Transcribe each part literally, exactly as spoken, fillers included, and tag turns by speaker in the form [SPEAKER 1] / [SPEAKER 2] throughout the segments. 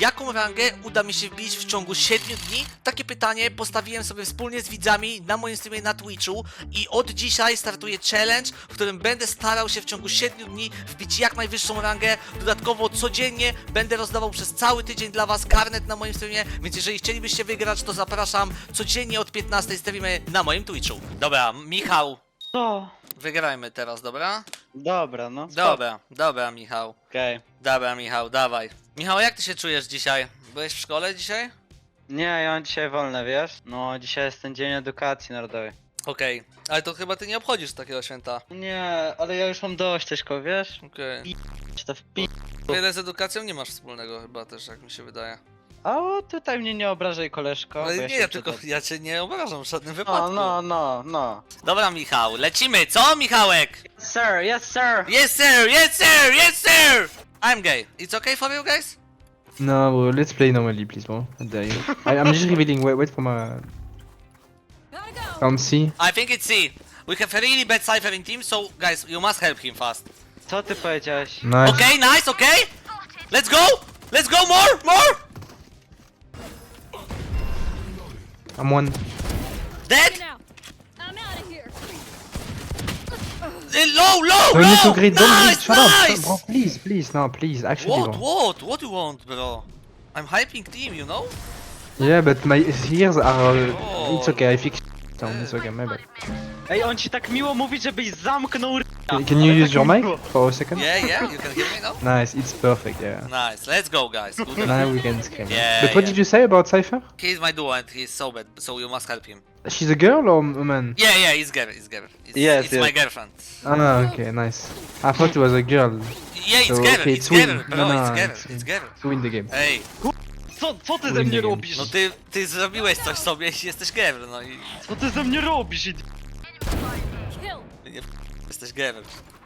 [SPEAKER 1] jaką rangę uda mi się wbić w ciągu siedmiu dni? Takie pytanie postawiłem sobie wspólnie z widzami na moim streamie na Twitchu i od dzisiaj startuje challenge, w którym będę starał się w ciągu siedmiu dni wbić jak najwyższą rangę. Dodatkowo codziennie będę rozdawał przez cały tydzień dla was karnet na moim streamie, więc jeżeli chcielibyście wygrać, to zapraszam codziennie od piętnastej streamy na moim Twitchu. Dobra, Michał,
[SPEAKER 2] No,
[SPEAKER 1] wygrajmy teraz, dobra?
[SPEAKER 2] dobra, no.
[SPEAKER 1] Dobra, dobra, Michał.
[SPEAKER 2] Okej.
[SPEAKER 1] Dobra, Michał, dawaj. Michał, jak ty się czujesz dzisiaj? Byłeś w szkole dzisiaj?
[SPEAKER 2] Nie, ja mam dzisiaj wolne, wiesz? No, dzisiaj jest ten Dzień Edukacji Narodowej.
[SPEAKER 1] Okej, ale to chyba ty nie obchodzisz takiego święta.
[SPEAKER 2] Nie, ale ja już mam dość, Teśko, wiesz?
[SPEAKER 1] Okej.
[SPEAKER 2] Czy to w pi...
[SPEAKER 1] Wiele z edukacją nie masz wspólnego chyba też, jak mi się wydaje.
[SPEAKER 2] A o, tutaj mnie nie obrażaj, koleżko.
[SPEAKER 1] Ale
[SPEAKER 2] bo
[SPEAKER 1] nie,
[SPEAKER 2] się
[SPEAKER 1] ja tylko,
[SPEAKER 2] przyda-
[SPEAKER 1] ja cię nie obrażam w żadnym
[SPEAKER 2] No,
[SPEAKER 1] wypadku.
[SPEAKER 2] no, no, no.
[SPEAKER 1] Dobra, Michał, lecimy, co, Michałek?
[SPEAKER 2] Sir, yes, sir!
[SPEAKER 1] Yes, sir, yes, sir, yes, sir! I'm gay. It's okay for you guys?
[SPEAKER 3] No, well, let's play normally, please, bro. I dare you. I, I'm just revealing. Wait, wait for my. Um, C.
[SPEAKER 1] I think it's C. We have a really bad Cypher in team, so guys, you must help him fast.
[SPEAKER 2] Co ty powiedziałeś?
[SPEAKER 3] Nice.
[SPEAKER 1] Okay, nice, okay? Let's go! Let's go, more, more!
[SPEAKER 3] I'm one.
[SPEAKER 1] Dead!
[SPEAKER 4] Now, I'm out of here.
[SPEAKER 1] Uh, Low, low,
[SPEAKER 3] Don't need to
[SPEAKER 1] low!
[SPEAKER 3] greet. Don't
[SPEAKER 1] Nice,
[SPEAKER 3] greet. Shut up,
[SPEAKER 1] nice!
[SPEAKER 3] shut- bro. Please, please, no, please. Actually,
[SPEAKER 1] What,
[SPEAKER 3] bro.
[SPEAKER 1] what? What do you want, bro? I'm hyping team, you know?
[SPEAKER 3] Yeah, but my ears are.
[SPEAKER 1] Oh.
[SPEAKER 3] It's okay. I fix. So it's okay. My bad.
[SPEAKER 2] Ej, on ci tak miło mówi, żebyś zamknął r...
[SPEAKER 3] Can, can you use your mic for a second?
[SPEAKER 1] Yeah, yeah, you can hear me now?
[SPEAKER 3] Nice. It's perfect. Yeah.
[SPEAKER 1] Nice, let's go, guys. Good.
[SPEAKER 3] Now we can scream.
[SPEAKER 1] Yeah,
[SPEAKER 3] But what
[SPEAKER 1] yeah.
[SPEAKER 3] did you say about Cypher?
[SPEAKER 1] He's my duo and he's so bad, so you must help him.
[SPEAKER 3] She's a girl or a man?
[SPEAKER 1] Yeah, yeah, he's girl, he's girl. It's,
[SPEAKER 2] Yes,
[SPEAKER 1] it's
[SPEAKER 2] yes.
[SPEAKER 1] my girlfriend.
[SPEAKER 3] Ah, okay, nice. I thought it was a girl
[SPEAKER 1] Yeah, it's
[SPEAKER 3] So,
[SPEAKER 1] girl,
[SPEAKER 3] okay,
[SPEAKER 1] it's
[SPEAKER 3] it's win.
[SPEAKER 1] girl, bro,
[SPEAKER 3] No, no,
[SPEAKER 1] it's girl,
[SPEAKER 3] it's
[SPEAKER 1] it's
[SPEAKER 3] win.
[SPEAKER 1] girl.
[SPEAKER 3] to win the game.
[SPEAKER 1] Ej,
[SPEAKER 2] Co, co ty ze
[SPEAKER 3] Win
[SPEAKER 2] mnie
[SPEAKER 3] the game.
[SPEAKER 2] robisz?
[SPEAKER 1] no ty, ty zrobiłeś coś sobie i jesteś girl, no i...
[SPEAKER 2] Co ty ze mnie robisz? idi-
[SPEAKER 4] Kill.
[SPEAKER 1] ty nie jesteś girl.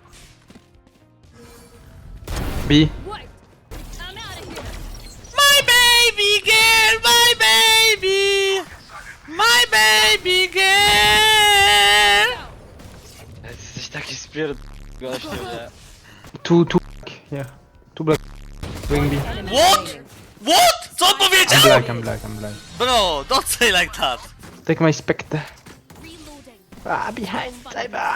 [SPEAKER 3] B.
[SPEAKER 4] Wait. I'm out of here.
[SPEAKER 1] My baby girl, my baby! My baby girl!
[SPEAKER 2] Jesteś taki spierd... gościu, nie?
[SPEAKER 3] Two, two. Yeah. Two black. Going B.
[SPEAKER 1] What? What? Co on
[SPEAKER 3] I'm
[SPEAKER 1] powiedział?
[SPEAKER 3] black. I'm black. I'm black.
[SPEAKER 1] Bro, don't say like that.
[SPEAKER 3] Take my spectre.
[SPEAKER 4] Reloading.
[SPEAKER 3] Ah, behind Cyber.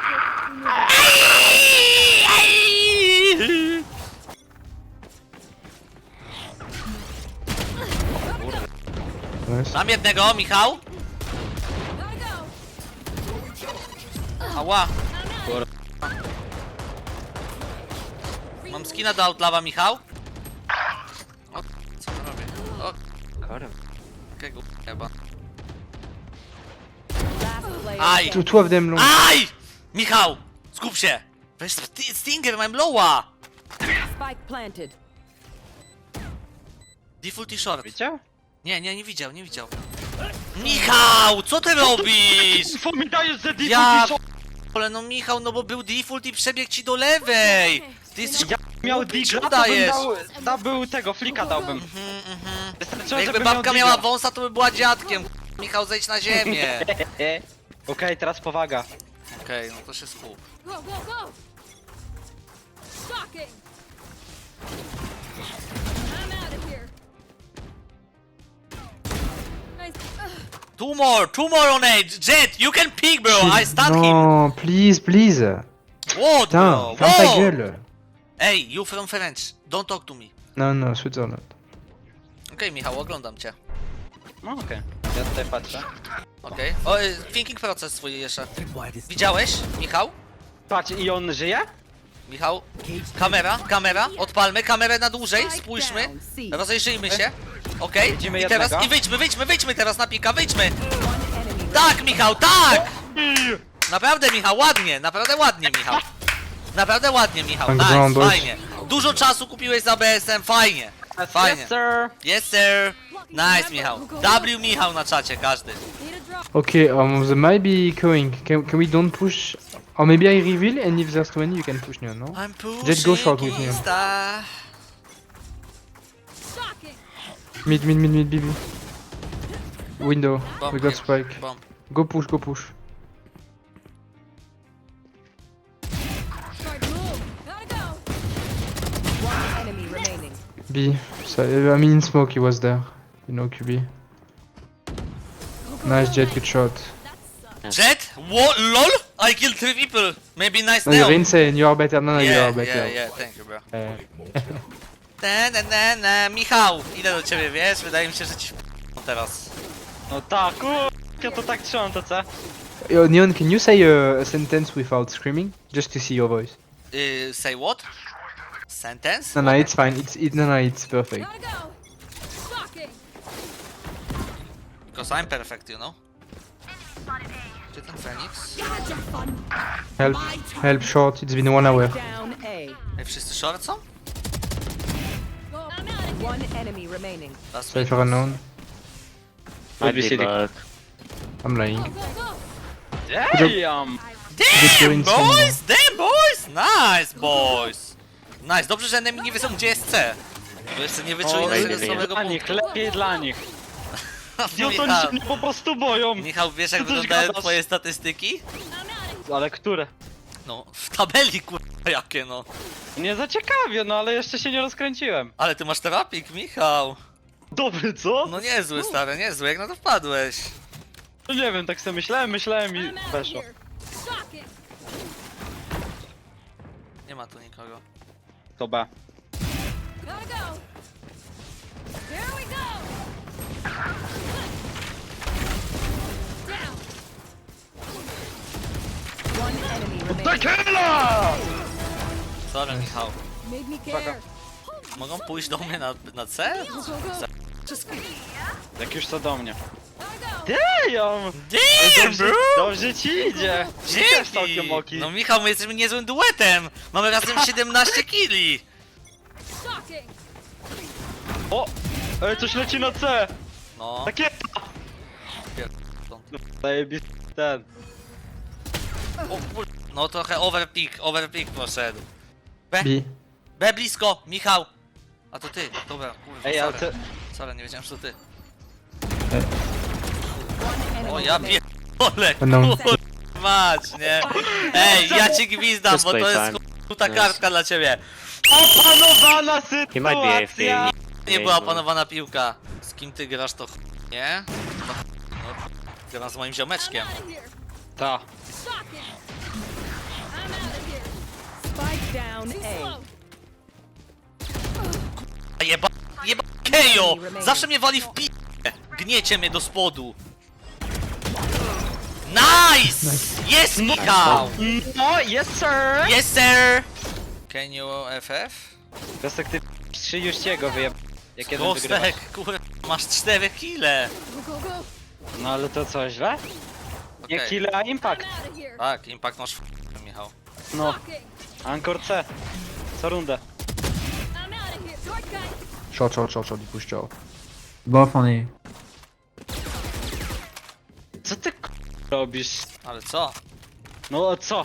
[SPEAKER 3] Nice.
[SPEAKER 1] Mam jednego, Michał.
[SPEAKER 4] Gotta go.
[SPEAKER 1] Ała. Mam skina do Outlawa, Michał. O, co on robi? O,
[SPEAKER 2] Kurwa.
[SPEAKER 1] jakiego chyba.
[SPEAKER 5] Last player.
[SPEAKER 1] Aj!
[SPEAKER 3] Two, two of them long.
[SPEAKER 1] Aj! Michał! Skup się! Weź sti- Stinger, mam lowa!
[SPEAKER 5] Spike planted.
[SPEAKER 1] Default i short.
[SPEAKER 2] Widział?
[SPEAKER 1] Nie, nie, nie widział, nie widział. Michał! Co ty robisz?
[SPEAKER 2] Co mi dajesz za
[SPEAKER 1] Ja...
[SPEAKER 2] D V D?
[SPEAKER 1] Ale no Michał, no bo był default i przebiegł ci do lewej! Ty jesteś...
[SPEAKER 2] Ja miał
[SPEAKER 1] Głupi,
[SPEAKER 2] digla,
[SPEAKER 1] co
[SPEAKER 2] to bym
[SPEAKER 1] dajesz?
[SPEAKER 2] dał, da był tego, flika dałbym.
[SPEAKER 1] Mhm, mhm.
[SPEAKER 2] Wystarczyło,
[SPEAKER 1] Jakby
[SPEAKER 2] żeby
[SPEAKER 1] babka
[SPEAKER 2] miał
[SPEAKER 1] miała
[SPEAKER 2] digla.
[SPEAKER 1] wąsa, to by była dziadkiem. Michał, zejdź na ziemię.
[SPEAKER 2] Okej, teraz powaga.
[SPEAKER 1] Okej, no to się skup.
[SPEAKER 4] Go, go, go. Stalking. I'm out of here. Nice. Ugh.
[SPEAKER 1] Two more, two more on edge. Jet, you can pick, bro. I stun him.
[SPEAKER 3] No, please, please.
[SPEAKER 1] What, bro?
[SPEAKER 3] Putain, ferme ta
[SPEAKER 1] Wow.
[SPEAKER 3] gueule.
[SPEAKER 1] Hey, you from French. Don't talk to me.
[SPEAKER 3] No, no, Switzerland.
[SPEAKER 1] Okej, Michał, oglądam cię.
[SPEAKER 2] No okej, ja tutaj patrzę.
[SPEAKER 1] Okej. O, y, thinking proces swój jeszcze. Widziałeś, Michał?
[SPEAKER 2] Patrz, i on żyje?
[SPEAKER 1] Michał? Kamera, kamera, odpalmy kamerę na dłużej, spójrzmy. Rozejrzyjmy się. Okej,
[SPEAKER 2] Widzimy
[SPEAKER 1] i teraz,
[SPEAKER 2] jednego.
[SPEAKER 1] i wyjdźmy, wyjdźmy, wyjdźmy teraz na pika, wyjdźmy! Tak, Michał, tak! Naprawdę, Michał, ładnie, naprawdę ładnie, Michał. Naprawdę ładnie, Michał,
[SPEAKER 3] Tak,
[SPEAKER 1] nice,
[SPEAKER 3] Brądos.
[SPEAKER 1] fajnie. Dużo czasu kupiłeś za B S M, fajnie. Fajnie.
[SPEAKER 2] Yes, sir.
[SPEAKER 1] Yes, sir. Nice, Michał. W Michał na czacie, każdy.
[SPEAKER 4] Need a drop.
[SPEAKER 3] Okay, um, they might be going. Can, can we don't push? Or maybe I reveal, and if there's too many, you can push now, no?
[SPEAKER 1] I'm pushing
[SPEAKER 3] Just go short with me.
[SPEAKER 1] Insta.
[SPEAKER 4] Stalking.
[SPEAKER 3] Mid, mid, mid, mid, B B. Window.
[SPEAKER 1] Bomb
[SPEAKER 3] We got
[SPEAKER 1] here.
[SPEAKER 3] spike.
[SPEAKER 1] Bomb.
[SPEAKER 3] Go push, go push.
[SPEAKER 4] Start to move. Gotta go.
[SPEAKER 5] One enemy remaining.
[SPEAKER 3] B. So, I mean, in smoke he was there. You know, Q B. Nice Jet, good shot.
[SPEAKER 1] Jet? What? LOL? I killed three people. Maybe nice
[SPEAKER 3] No, you're
[SPEAKER 1] now.
[SPEAKER 3] insane. You are better. No, no, you
[SPEAKER 1] Yeah,
[SPEAKER 3] are better.
[SPEAKER 1] yeah, yeah, thank you, bro.
[SPEAKER 3] Uh,
[SPEAKER 1] Na, na, na, na. Michał, idę do ciebie, wiesz? Wydaje mi się, że ci w... teraz.
[SPEAKER 2] No tak, kur... ja to tak trzymam, to co?
[SPEAKER 3] Yo, Neon, can you say uh, a sentence without screaming? Just to see your voice.
[SPEAKER 1] Y, say what? Sentence?
[SPEAKER 3] No, no, it's fine. It's it, no, no, it's perfect.
[SPEAKER 4] Gotta go. Stalking.
[SPEAKER 1] Because I'm perfect, you know? Gdzie ten Phoenix?
[SPEAKER 3] Help, help, short. It's been one hour.
[SPEAKER 5] Down A.
[SPEAKER 1] Ej, wszyscy short są?
[SPEAKER 4] Go. I'm out of here.
[SPEAKER 5] One enemy remaining.
[SPEAKER 1] That's
[SPEAKER 3] Cypher unknown.
[SPEAKER 2] Might be city.
[SPEAKER 3] I'm lying.
[SPEAKER 4] Go, go, go.
[SPEAKER 2] Damn!
[SPEAKER 3] Good
[SPEAKER 1] Damn,
[SPEAKER 3] doing
[SPEAKER 1] boys! Damn, boys! Nice, boys! Nice, dobrze, że enemy nie wiedzą, gdzie jest C. Bo jeszcze nie wyczuli
[SPEAKER 2] O,
[SPEAKER 1] naszego
[SPEAKER 2] lepiej
[SPEAKER 1] słabego
[SPEAKER 2] dla nich,
[SPEAKER 1] punktu.
[SPEAKER 2] lepiej dla nich.
[SPEAKER 1] No,
[SPEAKER 2] No to oni się mnie po prostu boją.
[SPEAKER 1] Michał, wiesz jak
[SPEAKER 2] Ty coś
[SPEAKER 1] wyglądają
[SPEAKER 2] gadasz.
[SPEAKER 1] twoje statystyki?
[SPEAKER 4] I'm out of
[SPEAKER 2] Ale które?
[SPEAKER 1] No, w tabeli kurwa jakie no.
[SPEAKER 2] Nie zaciekawie, no ale jeszcze się nie rozkręciłem.
[SPEAKER 1] Ale ty masz terapik, Michał.
[SPEAKER 2] Dobry, co?
[SPEAKER 1] No niezły stary, niezły, jak na to wpadłeś.
[SPEAKER 2] No nie wiem, tak sobie myślałem, myślałem
[SPEAKER 4] here.
[SPEAKER 2] i
[SPEAKER 4] I'm out of
[SPEAKER 2] weszło.
[SPEAKER 4] here. Stalking.
[SPEAKER 1] Nie ma tu nikogo.
[SPEAKER 2] To B.
[SPEAKER 4] Gotta go. Here we go. Down.
[SPEAKER 5] One enemy remaining.
[SPEAKER 2] Tequila!
[SPEAKER 1] Sorry, Michał.
[SPEAKER 4] Made me care.
[SPEAKER 1] Mogą pójść do mnie na, na C?
[SPEAKER 4] Go, go, go.
[SPEAKER 2] Jak już to do mnie.
[SPEAKER 4] Gotta go.
[SPEAKER 2] Damn!
[SPEAKER 1] Damn,
[SPEAKER 2] Dobrze,
[SPEAKER 1] bro!
[SPEAKER 2] dobrze ci idzie. Też całkiem
[SPEAKER 1] Dzięki!
[SPEAKER 2] oki.
[SPEAKER 1] No Michał, my jesteśmy niezłym duetem! Mamy razem siedemnaście killi!
[SPEAKER 4] Stalking.
[SPEAKER 2] O! Ej, coś leci na C!
[SPEAKER 1] No,
[SPEAKER 2] Takie...
[SPEAKER 1] stąd.
[SPEAKER 2] Zajebisty ten.
[SPEAKER 1] O, kur... no trochę overpick, overpick poszedł. B,
[SPEAKER 3] B.
[SPEAKER 1] B blisko, Michał! A to ty, dobra, kurwa,
[SPEAKER 2] Ej, ale
[SPEAKER 1] sorry.
[SPEAKER 2] ty...
[SPEAKER 1] Sorry, nie wiedziałem, że to ty.
[SPEAKER 5] One enemy
[SPEAKER 1] O, ja
[SPEAKER 5] remaining.
[SPEAKER 1] pierdolę,
[SPEAKER 3] No.
[SPEAKER 1] kurwa mać, nie? Ej, ja ci gwizdam, bo to jest ta kartka dla ciebie.
[SPEAKER 2] Opanowana
[SPEAKER 6] He might be A F K.
[SPEAKER 2] sytuacja!
[SPEAKER 1] Nie była opanowana piłka. Z kim ty grasz, to ch... nie? No, ch- no, gram z moim
[SPEAKER 4] I'm
[SPEAKER 1] ziomeczkiem.
[SPEAKER 4] out of here.
[SPEAKER 2] Ta.
[SPEAKER 4] Stalking. I'm out of here.
[SPEAKER 5] Spike down
[SPEAKER 4] Too
[SPEAKER 5] A.
[SPEAKER 4] slow.
[SPEAKER 1] A Jeba... Jeba... Kejo! Zawsze mnie wali w pi... Gniecie mnie do spodu. Nice! Jest Michał!
[SPEAKER 2] No, yes sir!
[SPEAKER 1] Yes sir! Can you F F?
[SPEAKER 2] Gostek, ty trzy już ciego wyjeb... Jak jeden wygrywasz.
[SPEAKER 1] Kostek, kurwa, masz cztery kile.
[SPEAKER 4] Go, go, go.
[SPEAKER 2] No ale to co, źle? Nie
[SPEAKER 1] Okej.
[SPEAKER 2] kill, a impact.
[SPEAKER 4] I'm out of here.
[SPEAKER 1] Tak, impact masz w... Michał.
[SPEAKER 2] No,
[SPEAKER 4] Stalking.
[SPEAKER 2] Ankor C. Co rundę.
[SPEAKER 4] I'm out of here. Short guy.
[SPEAKER 3] Short, short, short, short. He pushed short.
[SPEAKER 7] Both on A.
[SPEAKER 2] Co ty k- robisz?
[SPEAKER 1] Ale co?
[SPEAKER 2] No co?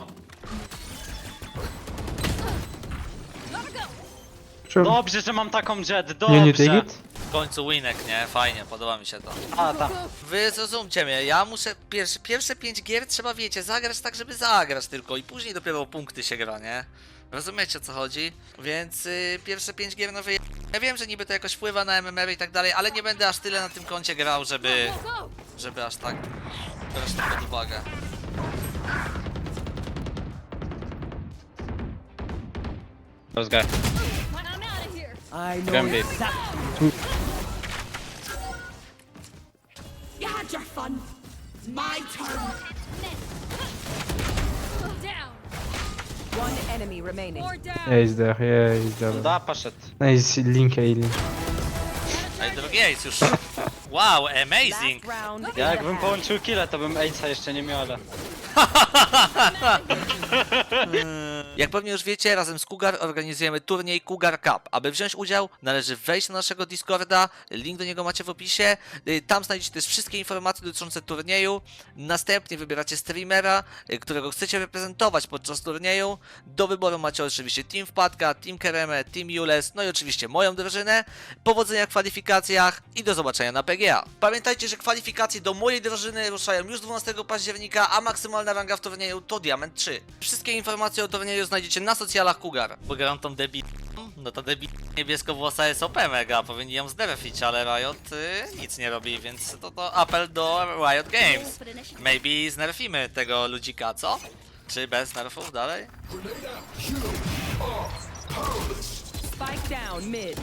[SPEAKER 4] Gotta go.
[SPEAKER 3] Sure.
[SPEAKER 2] Dobrze, że mam taką jet,
[SPEAKER 3] Neon, you take
[SPEAKER 2] dobrze.
[SPEAKER 3] it?
[SPEAKER 1] W końcu winek, nie? Fajnie, podoba mi się to.
[SPEAKER 2] A, ta.
[SPEAKER 1] Wy zrozumcie mnie, ja muszę pierwsze, pierwsze pięć gier trzeba, wiecie, zagrać tak, żeby zagrać tylko i później dopiero o punkty się gra, nie? Rozumiecie o co chodzi? Więc y, pierwsze pięć gier no wy... Ja wiem, że niby to jakoś wpływa na M M R i tak dalej, ale nie będę aż tyle na tym koncie grał, żeby...
[SPEAKER 4] Go, go.
[SPEAKER 1] żeby aż tak brać to pod uwagę.
[SPEAKER 2] Let's go.
[SPEAKER 4] I'm out of here.
[SPEAKER 5] I know
[SPEAKER 2] Gambit.
[SPEAKER 5] exactly.
[SPEAKER 8] You had your fun. It's my turn.
[SPEAKER 4] Down.
[SPEAKER 5] One enemy remaining.
[SPEAKER 4] More down.
[SPEAKER 3] Yeah, he's there. Yeah, he's there.
[SPEAKER 2] Da, poszedł.
[SPEAKER 3] Nice, link A, link.
[SPEAKER 1] A i drugi ace już. Wow, amazing!
[SPEAKER 5] Last round.
[SPEAKER 2] Ja jakbym połączył killa, to bym Ace'a jeszcze nie miał, ale...
[SPEAKER 1] Jak pewnie już wiecie, razem z Cougar organizujemy turniej Cougar Cup. Aby wziąć udział, należy wejść na naszego Discorda, link do niego macie w opisie. Y, Tam znajdziecie też wszystkie informacje dotyczące turnieju. Następnie wybieracie streamera, y, którego chcecie reprezentować podczas turnieju. Do wyboru macie oczywiście Team Wpadka, Team Kereme, Team Jules, no i oczywiście moją drużynę. Powodzenia w kwalifikacjach i do zobaczenia na P G A. Pamiętajcie, że kwalifikacje do mojej drużyny ruszają już dwunastego października, a maksymalny maksymalna ranga w turnieju to Diament trzy. Wszystkie informacje o turnieju znajdziecie na socjalach Cougar. Bo grają tą debil... No to debil niebieskowłosa jest O P mega, powinni ją znerfić, ale Riot y, nic nie robi, więc to, to apel do Riot Games. Maybe znerfimy tego ludzika, co? Czy bez nerfów dalej?
[SPEAKER 5] Spike down mid.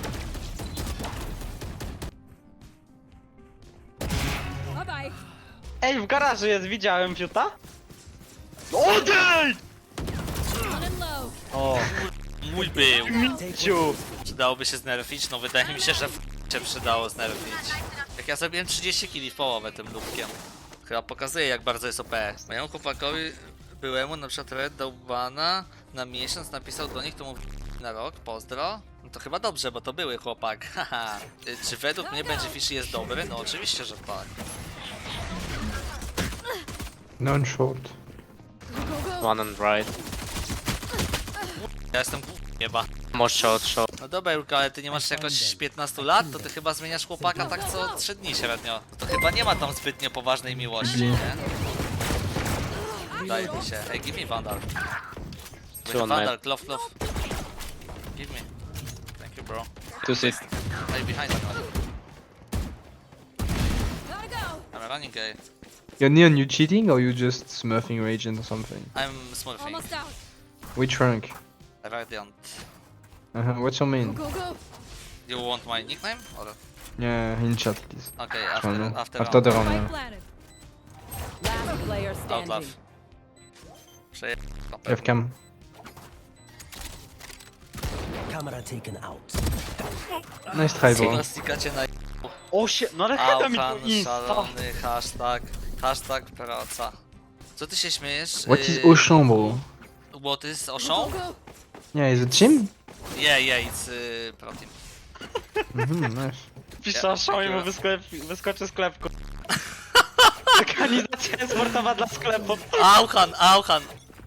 [SPEAKER 4] Bye bye.
[SPEAKER 2] Ej, w garażu jest, widziałem fiuta? Odejdź!
[SPEAKER 4] On and low.
[SPEAKER 2] O,
[SPEAKER 1] Mój był.
[SPEAKER 2] ciu.
[SPEAKER 1] Przydałoby się znerfić? No wydaje mi się, że w się przydało znerfić. Jak ja zrobiłem trzydzieści kili w połowę tym lubkiem. Chyba pokazuje, jak bardzo jest O P. Mojemu chłopakowi byłemu na przykład Red dał bana na miesiąc, napisał do nich, to mu na rok, pozdro. No to chyba dobrze, bo to były chłopak, haha. Y, Czy według mnie będzie Fishy jest dobry? No oczywiście, że tak.
[SPEAKER 3] Non short.
[SPEAKER 4] Go, go, go.
[SPEAKER 6] One and right.
[SPEAKER 1] Ja jestem chyba.
[SPEAKER 6] More short, short.
[SPEAKER 1] No dobra Julka, ale ty nie masz jakoś piętnastu lat, to ty chyba zmieniasz chłopaka tak co trzy dni średnio. To chyba nie ma tam zbytnio poważnej miłości, nie? Wydaje mi się. Hey, give me Vandal. Wait,
[SPEAKER 6] Two on
[SPEAKER 1] Vandal,
[SPEAKER 6] mid.
[SPEAKER 1] clove, clove. Give me. Thank you, bro.
[SPEAKER 6] Two sit.
[SPEAKER 1] Hey, behind me.
[SPEAKER 4] Gotta go.
[SPEAKER 1] I'm running gay.
[SPEAKER 3] Yo, Neon, you cheating or you just smurfing Ragent or something?
[SPEAKER 1] I'm smurfing.
[SPEAKER 4] Almost out.
[SPEAKER 3] Which rank?
[SPEAKER 1] Radiant.
[SPEAKER 3] Uh -huh. What's your main?
[SPEAKER 4] Go, go.
[SPEAKER 1] You want my nickname? Or...
[SPEAKER 3] Yeah, in chat, please.
[SPEAKER 1] Okay,
[SPEAKER 3] I
[SPEAKER 1] after,
[SPEAKER 3] don't know.
[SPEAKER 1] after,
[SPEAKER 3] After the
[SPEAKER 1] round.
[SPEAKER 3] round,
[SPEAKER 4] Spike
[SPEAKER 3] yeah.
[SPEAKER 4] planted.
[SPEAKER 5] Last player
[SPEAKER 1] Outlaw.
[SPEAKER 5] standing.
[SPEAKER 1] Przeje...
[SPEAKER 3] F cam.
[SPEAKER 7] Camera taken out.
[SPEAKER 3] Nice try, bro.
[SPEAKER 1] Diagnostikacie na...
[SPEAKER 2] O się, no ale chyba mi to
[SPEAKER 1] Auchan,
[SPEAKER 2] insta.
[SPEAKER 1] szalony, hashtag, hashtag praca. Co ty się śmiejesz?
[SPEAKER 3] What is
[SPEAKER 1] Yy,
[SPEAKER 3] Auchan, bro?
[SPEAKER 1] What is
[SPEAKER 4] Go,
[SPEAKER 1] Auchan?
[SPEAKER 4] go.
[SPEAKER 3] Yeah, is it Jim?
[SPEAKER 1] Yeah, yeah, it's uh, pro team.
[SPEAKER 3] Mhm, nice.
[SPEAKER 2] Pisze, show i mu wyskle- wyskoczy sklep. ku- Organizacja sportowa dla sklepu.
[SPEAKER 1] Auchan, Auchan.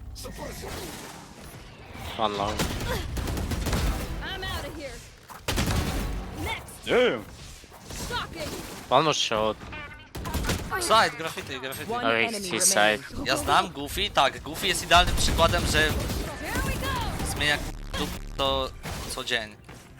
[SPEAKER 6] One long.
[SPEAKER 4] I'm out of here. Next.
[SPEAKER 2] Damn.
[SPEAKER 4] Stalking.
[SPEAKER 6] One more short.
[SPEAKER 1] Side, graffiti, graffiti.
[SPEAKER 5] One
[SPEAKER 6] Oh,
[SPEAKER 5] enemy
[SPEAKER 6] he's his
[SPEAKER 5] remaining.
[SPEAKER 6] side.
[SPEAKER 1] Ja znam Goofy, tak, Goofy jest idealnym przykładem, że
[SPEAKER 4] Here we go.
[SPEAKER 1] zmienia dup to co dzień.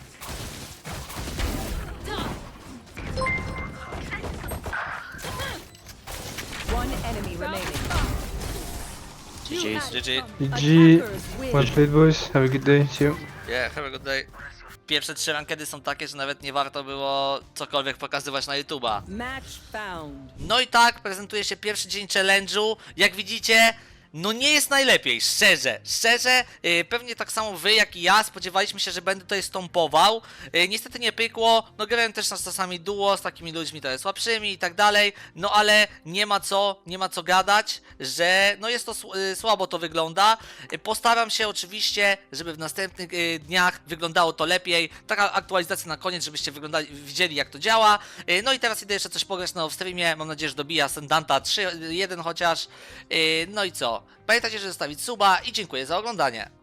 [SPEAKER 5] One enemy remaining.
[SPEAKER 6] G G's.
[SPEAKER 1] G G.
[SPEAKER 3] G G.
[SPEAKER 5] Attackers win.
[SPEAKER 3] Well played, boys. Have a good day. See you.
[SPEAKER 1] Yeah, have a good day. Pierwsze trzy rankedy są takie, że nawet nie warto było cokolwiek pokazywać na YouTube'a.
[SPEAKER 5] Match found.
[SPEAKER 1] No i tak, prezentuje się pierwszy dzień challenge'u. Jak widzicie, no nie jest najlepiej, szczerze, szczerze, yy, pewnie tak samo wy jak i ja spodziewaliśmy się, że będę tutaj stąpował. Yy, niestety nie pykło, no grałem też na czasami duo z takimi ludźmi trochę słabszymi i tak dalej, no ale nie ma co, nie ma co gadać, że no jest to sł- yy, słabo to wygląda. Yy, postaram się oczywiście, żeby w następnych yy, dniach wyglądało to lepiej. Taka aktualizacja na koniec, żebyście wyglądali, widzieli jak to działa. Yy, no i teraz idę jeszcze coś pograć na off-streamie, mam nadzieję, że dobija Ascendanta trzy jeden chociaż. Yy, no i co? Pamiętajcie, żeby zostawić suba i dziękuję za oglądanie.